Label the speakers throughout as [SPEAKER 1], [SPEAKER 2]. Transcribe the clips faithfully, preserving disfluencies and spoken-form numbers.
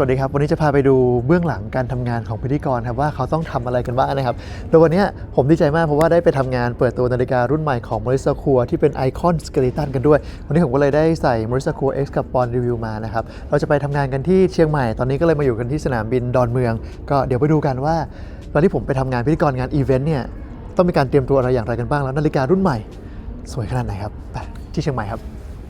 [SPEAKER 1] วัสดีครับวันนี้จะพาไปดูเบื้องหลังการทำงานของพิธีกรครับว่าเขาต้องทำอะไรกันบ้างนะครับโดยวันนี้ผมดีใจมากเพราะว่าได้ไปทำงานเปิดตัวนาฬิการุ่นใหม่ของ Morris Secure ที่เป็นไอคอนสเกเลตันกันด้วยวันนี้ผมก็เลยได้ใส่ Morris Secure X กับ Bond Review มานะครับเราจะไปทำงานกันที่เชียงใหม่ตอนนี้ก็เลยมาอยู่กันที่สนามบินดอนเมืองก็เดี๋ยวไปดูกันว่าตอนที่ผมไปทำงานพิธีกรงานอีเวนต์เนี่ยต้องมีการเตรียมตัวอะไรอย่างไรกันบ้างแล้วนาฬิการุ่นใหม่สวยขนาดไหนครับไปที่เชียงใหม่ครับ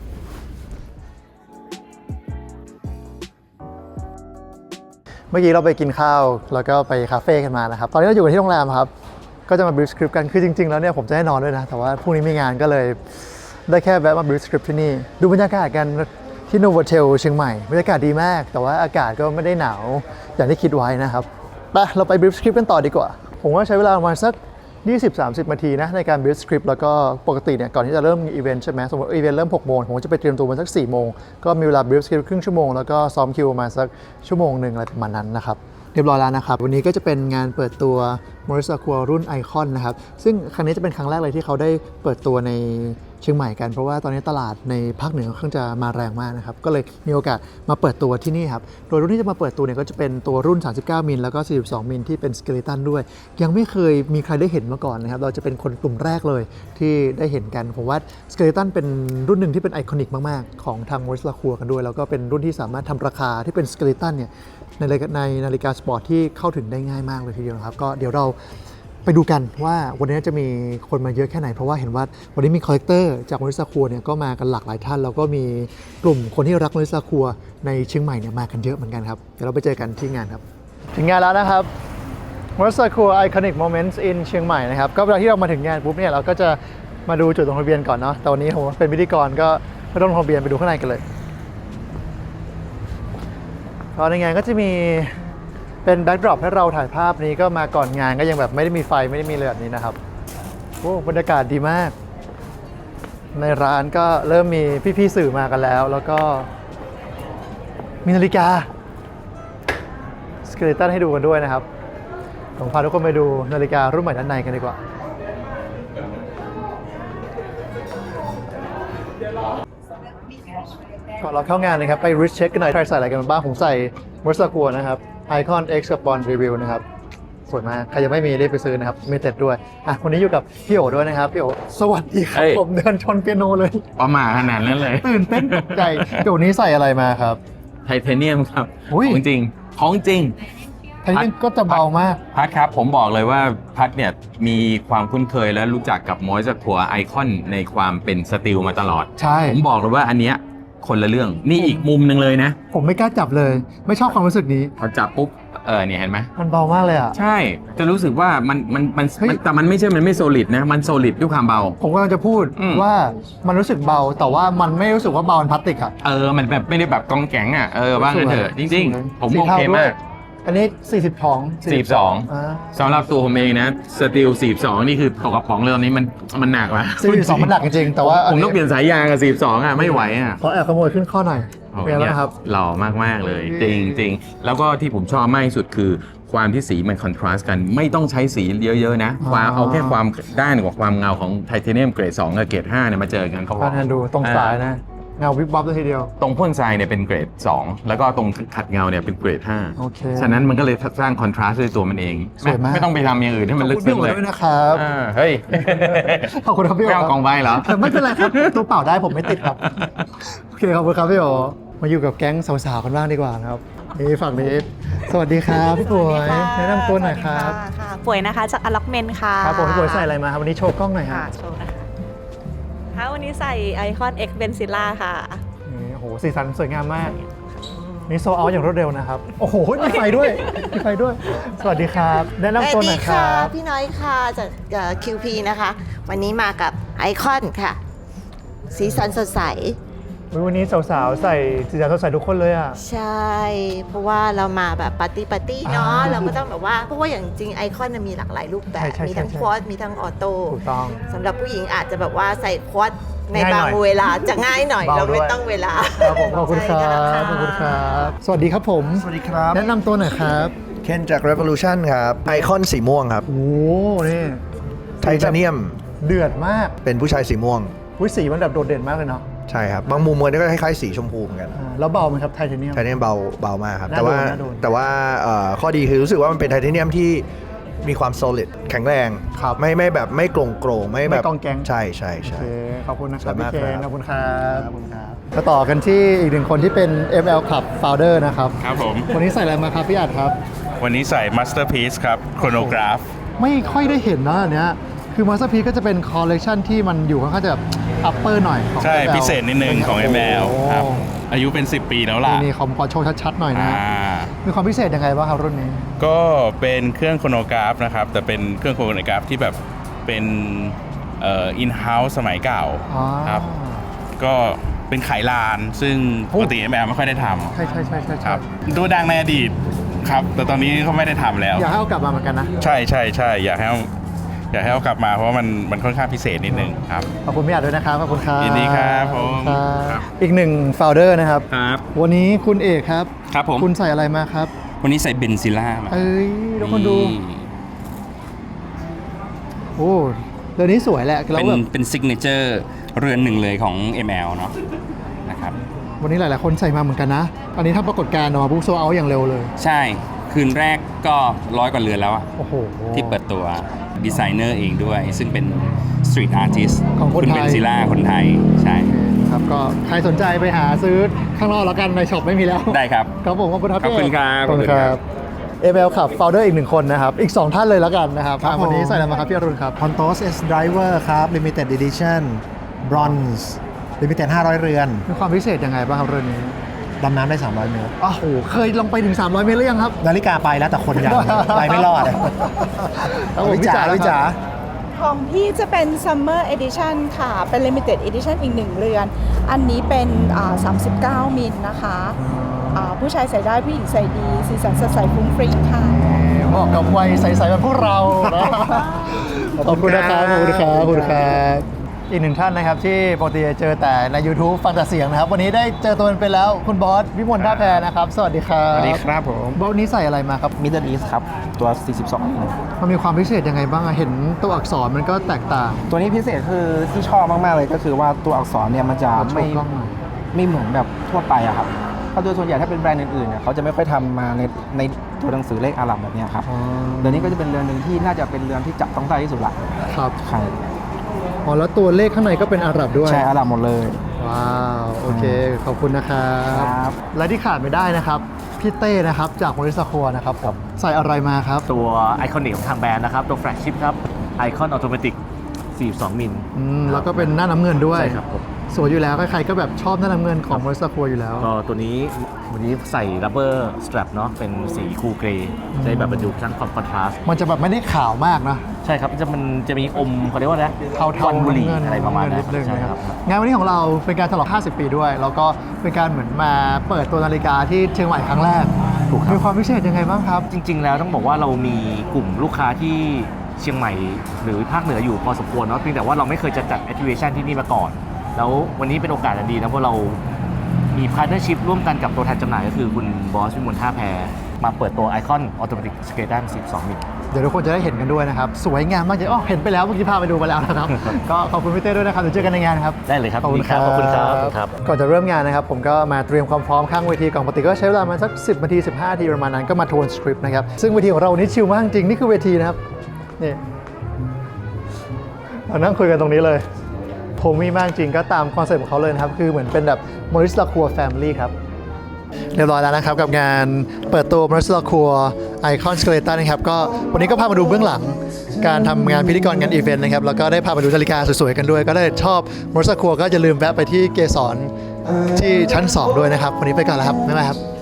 [SPEAKER 1] เมื่อกี้เราไปกินข้าวแล้วก็ไปคาเฟ่กันมานะครับตอนนี้เราอยู่กันที่โรงแรมครับก็จะมาบิวสคริปต์กันคือจริงๆแล้วเนี่ยผมจะให้นอนด้วยนะแต่ว่าพรุ่งนี้มีงานก็เลยได้แค่แวะมาบิวสคริปต์ที่นี่ดูบรรยากาศกันที่โนโวเทลเชียงใหม่บรรยากาศดีมากแต่ว่าอากาศก็ไม่ได้หนาวอย่างที่คิดไว้นะครับไปเราไปบิวสคริปต์กันต่อดีกว่าผมว่าใช้เวลาประมาณสักยี่สิบถึงสามสิบ นาทีนะในการ build script แล้วก็ปกติเนี่ยก่อนที่จะเริ่มอีเวนต์ใช่ไหมสมมติอีเวนต์เริ่มหกโมงผมจะไปเตรียมตัวมาสักสี่โมงก็มีเวลา build script ครึ่งชั่วโมงแล้วก็ซ้อมคิวมาสักชั่วโมงหนึ่งอะไรประมาณนั้นนะครับเรียบร้อยแล้วนะครับวันนี้ก็จะเป็นงานเปิดตัว Morris Secure รุ่นไอคอนนะครับซึ่งครั้งนี้จะเป็นครั้งแรกเลยที่เขาได้เปิดตัวในเชียงใหม่กันเพราะว่าตอนนี้ตลาดในภาคเหนือค่อนข้างจะมาแรงมากนะครับก็เลยมีโอกาสมาเปิดตัวที่นี่ครับโดยรุ่นที่จะมาเปิดตัวเนี่ยก็จะเป็นตัวรุ่นสามสิบเก้ามิลแล้วก็สี่สิบสองมิลที่เป็นสเกเลตันด้วยยังไม่เคยมีใครได้เห็นมาก่อนนะครับเราจะเป็นคนกลุ่มแรกเลยที่ได้เห็นกันผมว่าสเกเลตันเป็นรุ่นหนึ่งที่เป็นไอคอนิกมากๆของทาง Morris Secure กันด้วยแล้วก็เป็นรุ่นที่สามารถทำราคาที่เป็นสเกเลตันเนี่ยในในนาฬิกาสปอร์ตที่เข้าถึงได้ง่ายมากเลยทีเดียวนะครับก็เดี๋ยวเราไปดูกันว่าวันนี้จะมีคนมาเยอะแค่ไหนเพราะว่าเห็นว่าวันนี้มีคอลเลกเตอร์จาก Morris Secure เนี่ยก็มากันหลากหลายท่านแล้วก็มีกลุ่มคนที่รัก Morris Secure ในเชียงใหม่เนี่ยมากันเยอะเหมือนกันครับเดี๋ยวเราไปเจอกันที่งานครับถึงงานแล้วนะครับ Morris Secure Iconic Moments in เชียงใหม่นะครับก็เวลาที่เรามาถึงงานปุ๊บเนี่ยเราก็จะมาดูจุดลงทะเบียนก่อนเนาะแต่วันนี้ผมเป็นพิธีกรก็ไม่ต้องลงทะเบียนไปดูข้างในกันเลยตอนในงานก็จะมีเป็นแบ็กดรอปให้เราถ่ายภาพนี้ก็มาก่อนงานก็ยังแบบไม่ได้มีไฟไม่ได้มีเลยแบบนี้นะครับโอ้บรรยากาศดีมากในร้านก็เริ่มมีพี่ๆสื่อมากันแล้วแล้วก็มีนาฬิกาสเกเลตันให้ดูกันด้วยนะครับผมพาทุกคนไปดูนาฬิการุ่นใหม่ด้านในกันดีกว่าก่อนเราเข้างานเลยครับไป Wrist Check กันหน่อยใครใส่อะไรกันบ้างผมใส่ Morris Secure นะครับ Icon X กับ Bond Review นะครับสวยมากใครยังไม่มีรีบไปซื้อนะครับมีเต็ดด้วยอ่ะวันนี้อยู่กับพี่โอด้วยนะครับพี่โอสวัสดีครับผมเดินชนเปียโนเลย
[SPEAKER 2] ประมาขนาดนั้นเลย
[SPEAKER 1] ตื่นเต้นตกใจพี่โอนี้ใส่อะไรมาครับ
[SPEAKER 2] ไทเทเนียมครับของจริงของจริง
[SPEAKER 1] ไทเทเนียมก็จะเบามาก
[SPEAKER 2] พัดครับผมบอกเลยว่าพัดเนี่ยมีความคุ้นเคยและรู้จักกับ Morris Secure Icon ในความเป็นสตีลมาตลอด
[SPEAKER 1] ใช่
[SPEAKER 2] ผมบอกเลยว่าอันเนี้ยคนละเรื่องนี่อีกมุมหนึ่งเลยนะ
[SPEAKER 1] ผมไม่กล้าจับเลยไม่ชอบความรู้สึกนี้
[SPEAKER 2] พอจับปุ๊บเออเนี่ยเห็นไหม
[SPEAKER 1] มันเบามากเลยอ่ะ
[SPEAKER 2] ใช่จะรู้สึกว่ามันมันมันแต่มันไม่ใช่มันไม่โซลิดนะมันโซลิดด้วยความเบา
[SPEAKER 1] ผมกำลังจะพูดว่ามันรู้สึกเบาแต่ว่ามันไม่รู้สึกว่าเบาเป็นพลาสติกอ่ะ
[SPEAKER 2] เออมันแบบไม่ได้แบบกองแข็งอ่ะเออว่ากันเถอะจริงๆผมโอเคมาก
[SPEAKER 1] อันนี้สี่สิบท้อง
[SPEAKER 2] สี่สิบสองสำหรับตัวผมเองนะสตีลสี่สิบสองนี่คือตกกระป๋องเลยตอนนี้มันมันหนักว่ะ
[SPEAKER 1] สี่สิบสองมันหนักจริงๆแต่ว่า
[SPEAKER 2] ผมต้องเปลี่ยนสายยางกับสี่สิบสองอ่ะไม่ไหวอ่ะ
[SPEAKER 1] ขอแอบขโมยขึ้นข้อหน่อยเป็นไงครับ
[SPEAKER 2] หล่อมากๆเลยจริงจริงแล้วก็ที่ผมชอบมากที่สุดคือความที่สีมันคอนทราสต์กันไม่ต้องใช้สีเยอะๆนะความเอาแค่ความด้านกับความเงาของไทเทเนียมเกรดสองกับเกรดห้าเนี่ยมาเจอกันเขา
[SPEAKER 1] การดูตรงสายนะเงาวิบวับเลยทีเดียว
[SPEAKER 2] ตรงพ่นทรายเนี่ยเป็นเกรดสองแล้วก็ตรงขัดเงาเนี่ยเป็นเกรดห้า
[SPEAKER 1] โอเค
[SPEAKER 2] ฉะนั้นมันก็เลยสร้างคอนทราสต์ด้วยตัวมันเองไม่ไม่ต้องไปทำอย่างอื่นให้มันลึกซึ้งเลย
[SPEAKER 1] นะครับ
[SPEAKER 2] เฮ้ย
[SPEAKER 1] ขอบคุณครับพี่โอ
[SPEAKER 2] ไม่เอากองใบเหรอ
[SPEAKER 1] ไม่เป็นไรครับตัวเปล่าได้ผมไม่ติดครับโอเคขอบคุณครับพี่โอมาอยู่กับแก๊งสาวๆกันบ้างดีกว่านะครับนี่ฝั่งนี้สวัสดีครับพี่ป่วยแนะนำตัวหน่อยครับ
[SPEAKER 3] ค่ะป่วยนะคะจากอล็อกเมนค่ะ
[SPEAKER 1] ครับผมพี่ป่วยใส่อะไรมาครับวันนี้โชว์กล้องหน่อยครับ
[SPEAKER 3] โชว์นะคะค่ะวันนี้ใส่ไอคอน X Benzilla ค่ะ
[SPEAKER 1] นี่โอ้โหสีสันสวยงามมากนี่โซเอาอย่างรวดเร็วนะครับโอ้โหมีไฟด้วยมีไฟด้วยสวัสดีครับแนะนำตัวหน่อยครับ
[SPEAKER 4] พี่น้อยค่ะจาก คิว พี นะคะวันนี้มากับไอคอนค่ะสีสันสดใส
[SPEAKER 1] วันนี้สาวๆใส่สีสันสดใสทุกคนเลยอ่ะ
[SPEAKER 4] ใช่เพราะว่าเรามาแบบปาร์ตี้ปาร์ตี้เนาะเราก็ต้องแบบว่าเพราะว่าอย่างจริงไอคอนมีหลากหลายรูปแบบมีทั้งควอตมีทั้งออโต้
[SPEAKER 1] ถูกต้อง
[SPEAKER 4] สำหรับผู้หญิงอาจจะแบบว่าใส่ควอตในบางเวลาจะง่ายหน่อยเราไม่ต้องเวลา
[SPEAKER 1] ครับผมขอบคุณครับขอบคุณครับสวัสดีครับผม
[SPEAKER 5] สวัสดีครับ
[SPEAKER 1] แนะนำตัวหน่อยครับ
[SPEAKER 5] เคนจาก Revolution ครับไอคอนสีม่วงครับ
[SPEAKER 1] โอ้นี่
[SPEAKER 5] ไทเทเนียม
[SPEAKER 1] เดือดมาก
[SPEAKER 5] เป็นผู้ชายสีม่วง
[SPEAKER 1] วิสีมันแบบโดดเด่นมากเลยเนาะ
[SPEAKER 5] ใช่ครับบางมุมมันก็คล้ายๆสีชมพูเหมือนกัน
[SPEAKER 1] อ่าแล้วเบาไหมครับไทเทเนียม
[SPEAKER 5] ไทเทเนียมเบาเบามากครับ
[SPEAKER 1] น่า
[SPEAKER 5] แต่ว่า
[SPEAKER 1] โดนน่าโดน
[SPEAKER 5] แต่ว่าเอ่อข้อดีคือรู้สึกว่ามันเป็นไทเทเนียมที่มีความ solid แข็งแรง
[SPEAKER 1] ครับ
[SPEAKER 5] ไม่ไม่แบบไม่โกร่งโกร่งไม่แบบ
[SPEAKER 1] ไม่กองแก๊ง
[SPEAKER 5] ใช่ใช่
[SPEAKER 1] โอ
[SPEAKER 5] ใช่
[SPEAKER 1] เคขอบคุณนะค
[SPEAKER 5] ส
[SPEAKER 1] รับ
[SPEAKER 5] วย
[SPEAKER 1] พี่
[SPEAKER 5] มาก
[SPEAKER 1] เคน
[SPEAKER 5] ครับ
[SPEAKER 1] ขอบคุณครับขอบคุณครับมาต่อกันที่อีกหนึ่งคนที่เป็น เอ็ม แอล Club Founder นะครับ
[SPEAKER 6] ครับผม
[SPEAKER 1] วันนี้ใส่อะไรมาครับพี่อัดครับ
[SPEAKER 6] วันนี้ใส่ Masterpiece ครับ Chronograph
[SPEAKER 1] ไม่ค่อยได้เห็นนะอันเนี้ยคือ Masterpiece ก็จะเป็นคอลเลกชันที่มันอยู่ค่อนข้างจะแบบ upper หน่อยของ
[SPEAKER 6] ใช่
[SPEAKER 1] เอ็มแอล
[SPEAKER 6] พิเศษนิดนึงของ เอ็ม แอล
[SPEAKER 1] โอ้โห
[SPEAKER 6] ครับ อายุเป็น สิบ ปีแล้วล่ะ
[SPEAKER 1] นี่ขอขอโชว์ชัดๆหน่อยนะ
[SPEAKER 6] อ่า
[SPEAKER 1] มีความพิเศษยังไงบ้างครับรุ่นนี้
[SPEAKER 6] ก็เป็นเครื่องโครโนกราฟนะครับ แต่เป็นเครื่องโครโนกราฟที่แบบเป็นเอ่อ in-house สมัยเก่า
[SPEAKER 1] อ๋อ
[SPEAKER 6] ครับ ก็เป็นไขลาน ซึ่ง
[SPEAKER 1] โอ้
[SPEAKER 6] ปกติ เอ็ม แอล ไม่ค่อยได้ท
[SPEAKER 1] ใช่ใช่ใช่ใช่
[SPEAKER 6] ำค
[SPEAKER 1] ใช่
[SPEAKER 6] รับดูดังในอดีตครับ แต่ตอนนี้เขาไม่ได้ทำแล้ว
[SPEAKER 1] อยากให้เอากลับมาเหมือนกันนะ
[SPEAKER 6] ใช่ใช่ใช่อยากให้เอาอยากให้เอากลับมาเพราะว่ามันมันค่อนข้างพิเศษนิดนึงครับ
[SPEAKER 1] ขอบคุณพี่อัดด้วยนะครับขอบคุณครับ
[SPEAKER 6] ยินดีครับผม
[SPEAKER 1] ครับ
[SPEAKER 6] ครับ
[SPEAKER 1] อีกหนึ่ง founder นะครับ
[SPEAKER 7] ครับ
[SPEAKER 1] วันนี้คุณเอกครับ
[SPEAKER 7] ครับผม
[SPEAKER 1] คุณใส่อะไรมาครับ
[SPEAKER 7] วันนี้ใส่เบนซิล่ามา
[SPEAKER 1] เอ้ยทุกคนดู
[SPEAKER 7] นี่
[SPEAKER 1] โอ้เรือนนี้สวยแหละแล้
[SPEAKER 7] เป็
[SPEAKER 1] วน แบบ
[SPEAKER 7] เป็นซิกเนเจอร์เรือนหนึ่งเลยของ เอ็ม แอล เนาะนะครับ
[SPEAKER 1] วันนี้หลาย ๆ คนใส่มาเหมือนกันนะ อันนี้ถ้าปรากฏการณ์ออกมาปุ๊บโซเอาอย่างเร็วเลย
[SPEAKER 7] ใช่คืนแรกก็ร้อยกว่าเรือนแล้วอะ
[SPEAKER 1] โอ้โห
[SPEAKER 7] ที่เปิดตัวดีไซเนอร์เองด้วย ซึ่งเป็นสตรีทอาร์ติส
[SPEAKER 1] ของคน
[SPEAKER 7] คุณ
[SPEAKER 1] ไทย
[SPEAKER 7] เบนซิล่าคนไทย ใช่
[SPEAKER 1] ครับก็ใครสนใจไปหาซื้อข้างนอกแล้วกันในช็อปไม่มีแล้ว
[SPEAKER 7] ได้ครับ
[SPEAKER 1] ครับผมขอบคุณครับ
[SPEAKER 7] ขอบคุณครับ
[SPEAKER 1] ขอบคุณครับเอเอลขับ founder อีกหนึ่งคนนะครับ อีก สอง ท่านเลยแล้วกันนะครับ
[SPEAKER 8] ครับ
[SPEAKER 1] อ่ะวันนี้
[SPEAKER 8] ผม
[SPEAKER 1] ใส่อะไรมาครับพี่อรุณครับ
[SPEAKER 8] Pontos S Driver ครับ Limited Edition Bronze Limited ห้าร้อย เรือน
[SPEAKER 1] มีความพิเศษยังไงบ้างครับเรือนนี้
[SPEAKER 8] ดำน้ำได้ สามร้อย เมตร
[SPEAKER 1] อ้าวโหเคยลงไปถึง สามร้อย เมตรหรือยังครับ
[SPEAKER 8] นาฬิกาไปแล้วแต่คนยัง ไปไม่รอด
[SPEAKER 1] ครับผม
[SPEAKER 8] วิจาร
[SPEAKER 1] พี่
[SPEAKER 8] วิ
[SPEAKER 1] จ๋า
[SPEAKER 8] จาร
[SPEAKER 9] ของพี่จะเป็น Summer Edition ค่ะ เป็น Limited Edition อีกหนึ่งเรือน อันนี้เป็นอ่าสามสิบเก้า มิลนะคะอ่าผู้ชายใส่ได้ผู้หญิงใส่ดี สีสันสดใสฟุ้งฟริ้งค่ะ
[SPEAKER 1] เหมาะกับวัยใสๆแบบพวกเรานะขอบคุณนะครับขอบคุณครับขอบคุณครับอีกหนึ่งท่านนะครับที่ปกติจะเจอแต่ใน YouTube ฟังแต่เสียงนะครับ วันนี้ได้เจอตัวเป็นๆแล้วคุณบอสวิมลท่าแพนะครับ สวัสดีครับ
[SPEAKER 10] สวัสดีครับผม
[SPEAKER 1] บอสวันนี้ใส่อะไรมาครับ
[SPEAKER 10] Middle East ครับ ตัว สี่สิบสอง
[SPEAKER 1] มันมีความพิเศษยังไงบ้างอะเห็นตัวอักษรมันก็แตกต่าง
[SPEAKER 10] ตัวนี้พิเศษคือที่ชอบมาก ๆ เลยก็คือว่าตัวอักษรเนี่ยมันจะ
[SPEAKER 1] โช
[SPEAKER 10] ไม่
[SPEAKER 1] ว์กล้องหน่อย
[SPEAKER 10] ไม่เหมือนแบบทั่วไปอะครับเพราะโดยส่วนใหญ่ถ้าเป็นแบรนด์อื่นๆเนี่ยเขาจะไม่ค่อยทำมาในในตัวหนังสือเลขอาหรับแบบเนี้ยครับ
[SPEAKER 1] อ๋อ
[SPEAKER 10] เรือนนี้ก็จะเป็นเรือนหนึ่งที่น่าจะเป็นเรือนที่จับต้องได้ที่สุดละ
[SPEAKER 1] ครับ
[SPEAKER 10] ใช่
[SPEAKER 1] อ๋อแล้วตัวเลขข้างในก็เป็นอาหรับด้วย
[SPEAKER 10] ใช่อาหรับหมดเลย
[SPEAKER 1] ว้าวโอเคขอบคุณนะครับ
[SPEAKER 10] ครับ
[SPEAKER 1] และที่ขาดไม่ได้นะครับพี่เต้นะครับจากมริสคัวนะครับผมใส่อะไรมาครับ
[SPEAKER 11] ตัวไอคอนิกของทางแบรนด์นะครับ ตัวแฟลกชิพครับไอคอนออโตเมติกสี่สิบสอง มิล
[SPEAKER 1] อืมแล้วก็เป็นหน้าน้ำเงินด้วย
[SPEAKER 11] ใช่ครับผม
[SPEAKER 1] สวยอยู่แล้วใครๆก็แบบชอบหน้าน้ำเงินของมริสคัวอยู่แล้ว
[SPEAKER 11] ก็ตัวนี้วันนี้ใส่ rubber strap เนาะเป็นสีคูลเกรย์จะได้แบบบรรจุทั้งความคอนทราสต์
[SPEAKER 1] มันจะแบบไม่ได้ขาวมากนะ
[SPEAKER 11] ใช่ครับจะมันจะมีอมเขาเรียกว่าอะไรนะ
[SPEAKER 1] เทา
[SPEAKER 11] ค
[SPEAKER 1] ๆ
[SPEAKER 11] วันบุหรี่
[SPEAKER 1] น้ำเงิน
[SPEAKER 11] อะไรประมาณนั้น
[SPEAKER 1] นิดนึง
[SPEAKER 11] ใช่
[SPEAKER 1] นะ
[SPEAKER 11] ค
[SPEAKER 1] ค
[SPEAKER 11] รั
[SPEAKER 1] รับ บงานวันนี้ของเราเป็นการฉลองห้าสิบ ปีด้วย แล้วก็เป็นการเหมือนมาเปิดตัวนาฬิกาที่เชียงใหม่ครั้งแรก
[SPEAKER 11] ถูกครับ
[SPEAKER 1] มีความพิเศษยังไงบ้างครับ
[SPEAKER 11] จริง ๆ แล้วต้องบอกว่าเรามีกลุ่มลูกค้าที่เชียงใหม่หรือภาคเหนืออยู่พอสมควรเนาะเพียงแต่ว่าเราไม่เคยจะจัด activation ที่นี่มาก่อน แล้ววันนี้เป็นโอกาสอันดีนะเพราะเรามีพาร์ทเนอร์ชิพร่วมกันกับตัวแทนจำหน่ายก็คือคุณบอสวิมลท่าแพมาเปิดตัวไอคอนออโตเมติกสเกตันสิบสอง มิล
[SPEAKER 1] เดี๋ยวทุกคนจะได้เห็นกันด้วยนะครับ สวยงามมากเลยอ๋อเห็นไปแล้วเมื่อกี้พาไปดูมาแล้วนะครับ ก็ขอบคุณพี่เต้ด้วยนะครับเดี๋ยวเจอกันในงานครับ
[SPEAKER 11] ได้เลยครับ
[SPEAKER 1] ขอบคุณ
[SPEAKER 11] ดีครับขอบคุณครับครับ
[SPEAKER 1] ก่อนจะเริ่มงานนะครับ ผมก็มาเตรียมความพร้อมข้างเวทีก่อนปกติก็ใช้เวลามาสักสิบนาทีสิบห้านาทีประมาณนั้นก็มาทวนสคริปต์นะครับซึ่งเวทีของเราวันนี้ชิลมากจริงนี่คือเวทีนะครับนี่เรานั่งคุยกันตรงนี้เลยผมมีมากจริงก็ตามคอนเซ็ปต์ของเขาเลยนะครับคือเหมือนเป็นแบบมอริสลาคัวแฟมิลี่ครับเรียบร้อยแล้วนะครับกับงานเปิดตัวมอริสลาคัวไอคอนสเกเลตันนะครับก็วันนี้ก็พามาดูเบื้องหลังการทำงานพิธีกรงานอีเวนต์นะครับแล้วก็ได้พามาดูนาฬิกาสวยๆกันด้วยก็ได้ชอบมอริสลาคัวก็อย่าลืมแวะไปที่เกสรที่ชั้นสองด้วยนะครับวันนี้ไปก่อนแล้วครับบ๊ายบายครับ